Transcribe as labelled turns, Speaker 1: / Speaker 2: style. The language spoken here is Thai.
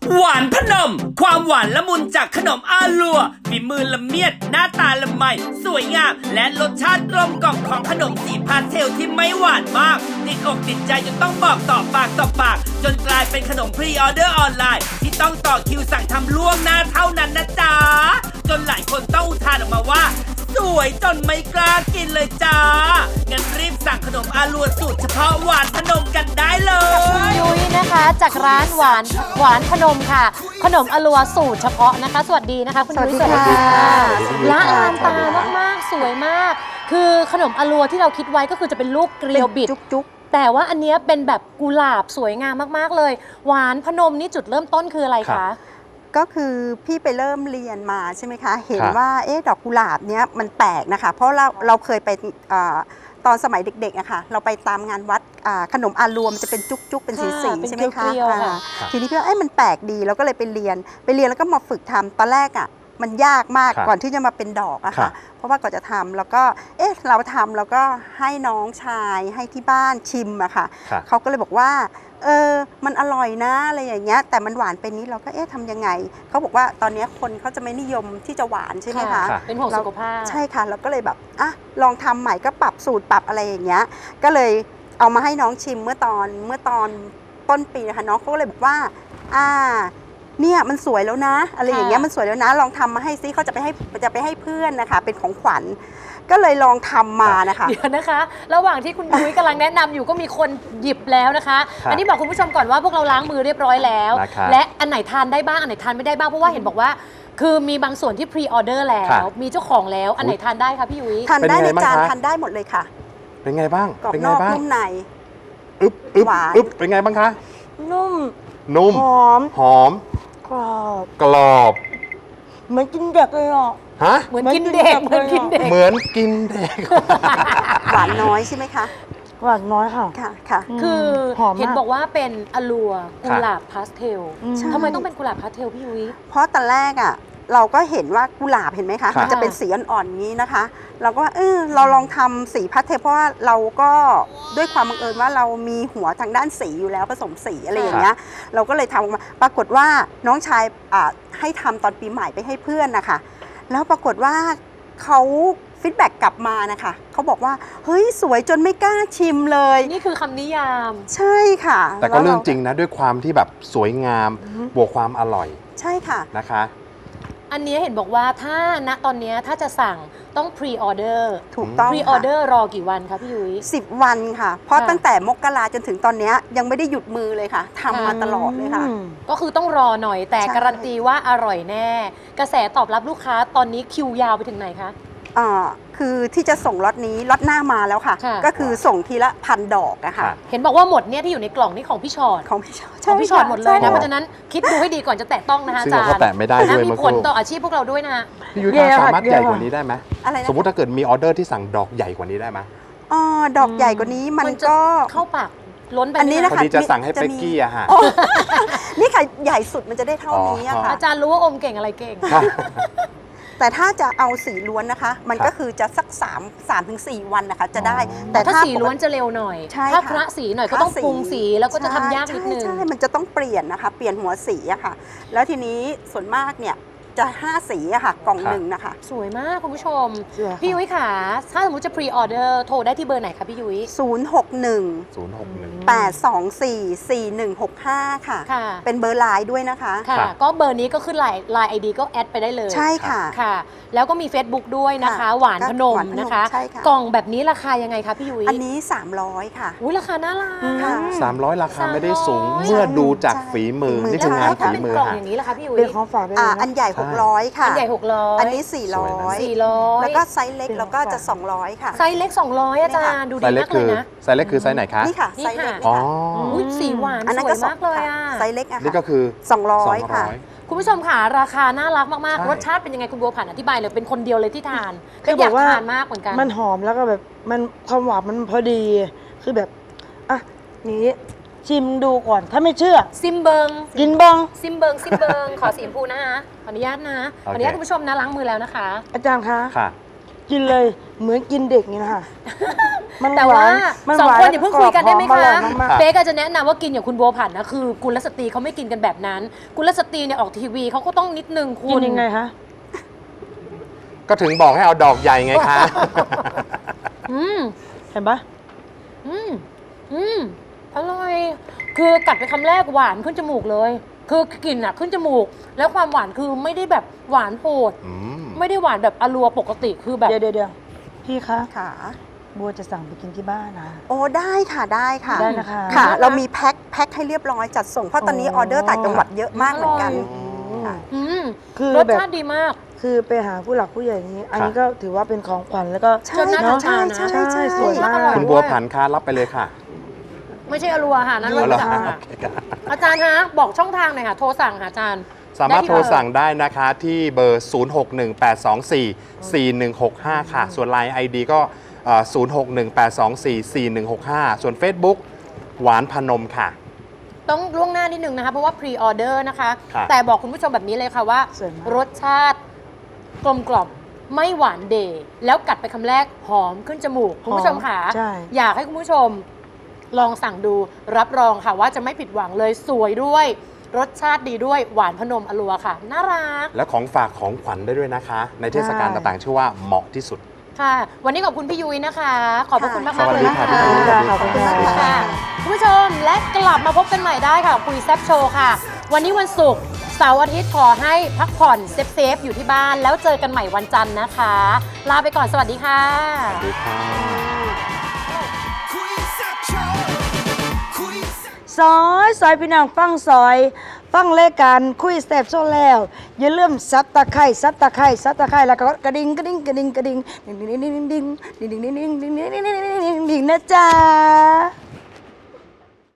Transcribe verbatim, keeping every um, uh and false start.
Speaker 1: หวานพนมความหวานละมุนจากขนมอาลัวฝีมือละเมียดหน้าตาละไมสวยงามและรสชาติกลมกล่อมของขนมสีพาสเทลที่ไม่หวานมากติดอกติดใจจนต้องบอกต่อปากต่อปากจนกลายเป็นขนมพรีออเดอร์ออนไลน์ที่ต้องต่อคิวสั่งทำล่วงหน้าเท่านั้นนะจ๊ะจนหลายคนต้องอุทานออกมาว่าสวยจนไม่กล้ากินเลยจ้างั้นรีบสั่งขนมอาลัวสูตรเฉพาะหวานพนมกันได้เลย
Speaker 2: ยุ้ยนะคะจากร้านหวานหวานพนมค่ะขนมอลัวสูตรเฉพาะนะคะสวัสดีนะคะคุณยุ้ยสวัสดีค่ะละลานตามากๆสวยมากคือขนมอลัวที่เราคิดไว้ก็คือจะเป็นลูกเกลียวบิดจุกๆแต่ว่าอันนี้เป็นแบบกุหลาบสวยงามมากๆเลยหวานพนมนี่จุดเริ่มต้นคืออะไรคะ
Speaker 3: ก็คือพี่ไปเริ่มเรียนมาใช่ไหมคะเห็นว่าเอ๊ะดอกกุหลาบเนี้ยมันแปลกนะคะเพราะเราเราเคยไปตอนสมัยเด็กๆอะค่ะเราไปตามงานวัดขนมอาลัวมันจะเป็นจุกๆเป็นสีๆใช่ไหมคะทีนี้พี่ว่าเอ๊ะมันแปลกดีเราก็เลยไปเรียนไปเรียนแล้วก็มาฝึกทำตอนแรกอะมันยากมากก่อนที่จะมาเป็นดอกอะค่ะเพราะว่าก่อนจะทำแล้วก็เอ๊ะเราทำแล้วก็ให้น้องชายให้ที่บ้านชิมอะค่ะเขาก็เลยบอกว่าเออมันอร่อยนะอะไรอย่างเงี้ยแต่มันหวานไปนี้เราก็เอ๊ะทำยังไงเขาบอกว่าตอนนี้คนเขาจะไม่นิยมที่จะหวานใช่ไหมคะ
Speaker 2: เป็นห่วงสุขภาพ
Speaker 3: ใช่ค่ะเราก็เลยแบบอ่ะลองทำใหม่ก็ปรับสูตรปรับอะไรอย่างเงี้ยก็เลยเอามาให้น้องชิมเมื่อตอนเมื่อตอนต้นปีนะคะน้องเขาก็เลยบอกว่าอ่าเนี่ยมันสวยแล้วนะอะไรอย่างเงี้ยมันสวยแล้วนะลองทำมาให้ซิเขาจะไปให้จะไปให้เพื่อนนะคะเป็นของขวัญก็เลยลองทำมานะคะ
Speaker 2: เดี๋ยวนะคะระหว่างที่คุณยุ้ยกำลังแนะนำอยู่ก็มีคนหยิบแล้วนะคะอันนี้บอกคุณผู้ชมก่อนว่าพวกเราล้างมือเรียบร้อยแล้วและอันไหนทานได้บ้างอันไหนทานไม่ได้บ้างเพราะว่าเห็นบอกว่าคือมีบางส่วนที่พรีออเดอร์แล้วมีเจ้าของแล้วอันไหนทานได้คะพี่ยุ้ย
Speaker 3: ทานได้ในจานทานได้หมดเลยค่ะ
Speaker 4: เป็นไงบ้าง
Speaker 3: กรอบนอกนุ่มใน
Speaker 4: อึ๊บอึ๊บอึ๊บเป็นไงบ้างคะ
Speaker 3: นุ่ม
Speaker 4: นุ่ม
Speaker 3: หอม
Speaker 4: หอม
Speaker 3: กรอบ
Speaker 4: กรอบ
Speaker 3: เหมือนกินเด็กเลยอ่ะ
Speaker 4: ฮะ
Speaker 2: เหมือนกินเด็กเหมือนกินเด็ก
Speaker 4: เหมือนกินเด็ก
Speaker 3: หวานน้อยใช่ไหมคะ
Speaker 5: หวานน้อยค่ะ
Speaker 3: ค่ะค่ะ
Speaker 2: คือเห็นบอกว่าเป็นอลัวกุหลาบพาสเทลทำไมต้องเป็นกุหลาบพาสเทลพี่ยุ้ย
Speaker 3: เพราะตอนแรกอ่ะเราก็เห็นว่ากุหลาบเห็นไหมคะมันจะเป็นสีอ่อนๆนี้นะคะเราก็เออเราลองทำสีพาสเทลเพราะว่าเราก็ด้วยความบังเอิญว่าเรามีหัวทางด้านสีอยู่แล้วผสมสีอะไรอย่างเงี้ยเราก็เลยทำออกมาปรากฏว่าน้องชายให้ทำตอนปีใหม่ไปให้เพื่อนนะคะแล้วปรากฏว่าเขาฟีดแบ็กกลับมานะคะเขาบอกว่าเฮ้ยสวยจนไม่กล้าชิมเลย
Speaker 2: นี่คือคำนิยาม
Speaker 3: ใช่ค่ะ
Speaker 4: แต่ก็เรื่องจริงนะด้วยความที่แบบสวยงามบวกความอร่อย
Speaker 3: ใช่ค่ะ
Speaker 4: นะคะ
Speaker 2: อันนี้เห็นบอกว่าถ้าณตอนนี้ถ้าจะสั่งต้องพรีออเดอร์
Speaker 3: ถูกต้อง
Speaker 2: พรีออเดอร์รอกี่วันคะพี่ยุ้ย
Speaker 3: สิบวันค่ะเพราะตั้งแต่มกราจนถึงตอนนี้ยังไม่ได้หยุดมือเลยค่ะทำมาตลอดเลยค่ะ
Speaker 2: ก็คือต้องรอหน่อยแต่การันตีว่าอร่อยแน่กระแสตอบรับลูกค้าตอนนี้คิวยาวไปถึงไหนคะ
Speaker 3: อ่าคือที่จะส่งล็อตนี้ล็อตหน้ามาแล้วค่ะก็คือส่งทีละพันดอกอะค่ะ
Speaker 2: เห็นบอกว่าหมดเนี่ยที่อยู่ในกล่องนี่ของพี่ชอด
Speaker 3: ของพี่ชอด
Speaker 2: ของพี่ชอดหมดเลยนะเพราะฉะนั้นคิดดูให้ดีก่อนจะแตะต้องนะคะอาจารย์
Speaker 4: ซึ่งเราก็แตะไม่ได้ด้วย
Speaker 2: มีผลต่ออาชีพพวกเราด้วยนะ
Speaker 4: พี่ยุ้ยสามารถใหญ่กว่านี้ได้ไหมสมมติถ้าเกิดมีออเดอร์ที่สั่งดอกใหญ่กว่านี้ได้ไหม
Speaker 3: อ๋อดอกใหญ่กว่านี้มันก็
Speaker 2: เข้าปากล้นไป
Speaker 3: อันนี้นะคะ
Speaker 4: จะสั่งให้เป๊กกี้อะฮะ
Speaker 3: นี่ค่ะใหญ่สุดมันจะได้เท่านี้อะค่ะ
Speaker 2: อาจารย์รู้ว่าอมเก่งอะไรเก่ง
Speaker 3: แต่ถ้าจะเอาสีล้วนนะคะมันก็คือจะสัก3 3ถึง4วันนะคะจะได้
Speaker 2: แต่ถ้าสีล้วนจะเร็วหน่อยถ้าพระสีหน่อยก็ต้องปรุงสีแล้วก็จะทำยากนิดนึง
Speaker 3: ใช่มันจะต้องเปลี่ยนนะคะเปลี่ยนหัวสีอะค่ะแล้วทีนี้ส่วนมากเนี่ยจะห้าสีอะค่ะกล่องหนึ่งนะคะ
Speaker 2: สวยมากคุณผู้ชมพี่ยุ้ยค่ะถ้าสมมติจะพรีออเดอร์โทรได้ที่เบอร์ไหนคะพี่ยุ้ย
Speaker 3: ศูนย์ หก หนึ่ง
Speaker 4: ศูนย์ หก หนึ่ง
Speaker 3: แปด สอง สี่ สี่ หนึ่ง หก ห้าค่ะเป็นเบอร์ไลน์ด้วยนะคะ
Speaker 2: ค่ะก็เบอร์นี้ก็ขึ้นไลน์ไลน์ไอดีก็แอดไปได้เลย
Speaker 3: ใช่ค่ะ
Speaker 2: ค่ะแล้วก็มี Facebook ด้วยนะคะหวานพนมนะคะกล่องแบบนี้ราคายังไงคะพี่ยุ้ย
Speaker 3: อันนี้สามร้อยค่ะ
Speaker 2: อุ้ยราคาน่ารัก
Speaker 4: สามร้อยราคาไม่ได้สูงเมื่อดูจากฝีมือนี่คืองานฝีมือก
Speaker 2: ล่องอย่างนี้ราคาพี่ยุ้ย
Speaker 5: เป็นของฝาก
Speaker 3: อ่าอันใหญ่หกร้อยค่ะ
Speaker 2: อันใหญ่หกร้อย
Speaker 3: อันนี้สี่ร้อย
Speaker 2: สี่ร้อย
Speaker 3: แล้วก็ไซส์เล็กแล้วก็จะสองร้อยค่ะ
Speaker 2: ไซส์เล็กสองร้อยอาจารย์ดูดีมากเลยนะ
Speaker 4: ไซส์เล็กคือไซส์ไหนคะ
Speaker 3: นี่ค่ะไซส์เล็ก
Speaker 4: อ๋อ
Speaker 2: อุ้ยสีหวานสวยมากเลยอ่ะ
Speaker 3: ไซส์เล็กอะ
Speaker 4: นี่ก็คือ
Speaker 3: สองร้อยค่ะ
Speaker 2: คุณผู้ชมค่ะราคาน่ารักมากๆรสชาติเป็นยังไงคุณบัวผันอธิบายเลยเป็นคนเดียวเลยที่ทานก็อยากทานมากเหมือนกัน
Speaker 5: มันหอมแล้วก็แบบมันความหวานมันพอดีคือแบบอ่ะนี้ชิมดูก่อนถ้าไม่เชื่อ
Speaker 2: ซิมเบิง
Speaker 5: กินบ้าง
Speaker 2: ซิมเบิงซิมเบิงขอสีชมพูนะคะขออนุญาตนะขออนุญาตคุณผู้ชมนะล้างมือแล้วนะคะ
Speaker 5: อาจารย์คะ
Speaker 4: ค่ะ
Speaker 5: กินเลยเหมือนกินเด็กนี่นะคะมัน
Speaker 2: แต่
Speaker 5: หวา
Speaker 2: ว่าน
Speaker 5: มัน
Speaker 2: สอง
Speaker 5: หวาน
Speaker 2: คนอย่าเพิ่งคุยกันได้ไหม
Speaker 5: กรอบหอ
Speaker 2: คะ
Speaker 5: มอร่อยมาก
Speaker 2: เป๊กก็จะแนะนำว่ากินอย่างคุณบัวผันนะคือกุลสตรีเขาไม่กินกันแบบนั้น กุลสตรีเนี่ยออกทีวีเขาก็ต้องนิดนึงคุ
Speaker 5: กิ
Speaker 2: ณ
Speaker 5: นยังไงคะ
Speaker 4: ก็ถึงบอกให้เอาดอกใหญ่ไงคะ
Speaker 2: อืม
Speaker 5: เห็นปะ
Speaker 2: อืมอืมอร่อย คือกัดไปคำแรกหวานขึ้นจมูกเลย คือกลิ่นอะขึ้นจมูก แล้วความหวานคือไม่ได้แบบหวานโหด
Speaker 4: อืม
Speaker 2: ไม่ได้หวานแบบอลัวปกติคือแบบ
Speaker 5: เดี๋ยวเดี๋ยวเดี๋ยวพี่คะ
Speaker 3: ค่ะ
Speaker 5: บัวจะสั่งไปกินที่บ้านนะ
Speaker 3: โอ้ได้ค่ะได้ค่ะ
Speaker 5: ได้นะคะ
Speaker 3: ค่ะ
Speaker 2: ได้นะ
Speaker 3: เรามีแพ็คแพ็คให้เรียบร้อยจัดส่งเพราะตอนนี้
Speaker 5: อ๋อ
Speaker 3: ออเดอร์ต่างจังหวัดเยอะมากเหมือนกัน
Speaker 2: อร่อย
Speaker 3: ค่ะ
Speaker 2: อืม
Speaker 5: คือ
Speaker 2: รส
Speaker 5: แบบ
Speaker 2: ชาติดีมาก
Speaker 5: คือไปหาผู้หลักผู้ใหญ่อย่างนี้ อันนี้
Speaker 4: ครับ
Speaker 5: ก็ถือว่าเป็นของขวัญแล้วก็
Speaker 3: ใช่
Speaker 2: จนน่า
Speaker 3: ค่ะ
Speaker 2: ทาน
Speaker 3: ใช่
Speaker 2: นะ
Speaker 3: ใช่ใช่
Speaker 5: สวยมาก
Speaker 2: อร่อย
Speaker 4: คุณบัวผันคะรับไปเลยค่ะ
Speaker 2: ไม่ใช่อลัวค่ะนั่น
Speaker 4: อ๋
Speaker 2: ร
Speaker 4: อ
Speaker 2: ส
Speaker 4: เหรอ
Speaker 2: จักรค่ะอาจารย์ฮะบอกช่องทางหน่อยค่ะ โทรสั่งค่ะอาจารย์
Speaker 4: สามารถ
Speaker 2: ได้ที่
Speaker 4: โทร
Speaker 2: เบอร์
Speaker 4: สั่งได้นะคะที่เบอร์ ศูนย์ หก หนึ่ง แปด สอง สี่ สี่ หนึ่ง หก ห้า ค่ะ ส่วน ไลน์ ไอ ดี ก็เอ่อศูนย์ หก หนึ่ง แปด สอง สี่ สี่ หนึ่ง หก ห้า ส่วน Facebook หวานพนมค่ะ
Speaker 2: ต้องล่วงหน้านิดนึงนะคะ เพราะว่าพรีออเดอร์นะคะ
Speaker 4: ครับ
Speaker 2: แต่บอกคุณผู้ชมแบบนี้เลยค่ะว่า
Speaker 5: สวยมาก
Speaker 2: รสชาติกลมกล่อมไม่หวานเดย์แล้วกัดไปคำแรกหอมขึ้นจมูก คุณผู้ชมค่ะ
Speaker 5: ใช่
Speaker 2: อยากให้คุณผู้ชมลองสั่งดูรับรองค่ะว่าจะไม่ผิดหวังเลยสวยด้วย รสชาติดีด้วยหวานพนมอลัวค่ะ น่ารัก
Speaker 4: และของฝากของขวัญได้ด้วยนะคะ ในเทศกาลต่างๆ ชื่อว่าเหมาะที่สุด
Speaker 2: ค่ะ วันนี้ขอบคุณพี่ยุ้ยนะคะ ขอบพระคุณมาก
Speaker 4: ส
Speaker 2: มาก
Speaker 4: วัส
Speaker 2: เลย
Speaker 4: ดี
Speaker 2: นะ
Speaker 4: ค่ะ
Speaker 2: คะ
Speaker 4: พี่ยุ้ย
Speaker 5: ขอบคุณค่ะ
Speaker 2: ค่ะคุณผู้ชมและกลับมาพบกันใหม่ได้ค่ะคุยแซบโชว์ค่ะ วันนี้วันศุกร์เสาร์อาทิตย์ขอให้พักผ่อนเซฟๆอยู่ที่บ้าน แล้วเจอกันใหม่วันจันทร์นะคะ ลาไปก่อนสวัสดีค่ะ
Speaker 4: สวัสดีค่ะ
Speaker 5: ซอยซอยพี่น้องฟังซอย ฟังรายการคุยแซ่บโซแล้ว อย่าลืมซับตะไคร้ซับตะไคร้ซับตะไคร้แล้วก็กระดิ่งกระดิ่งกระดิ่งกระดิ่งดิ่งดิ่งดิ่งดิ่งดิ่งดิ่งดิ่งดิ่งดิ่งดิ่งดิ่งดิ่งดิ่งนะจ๊ะ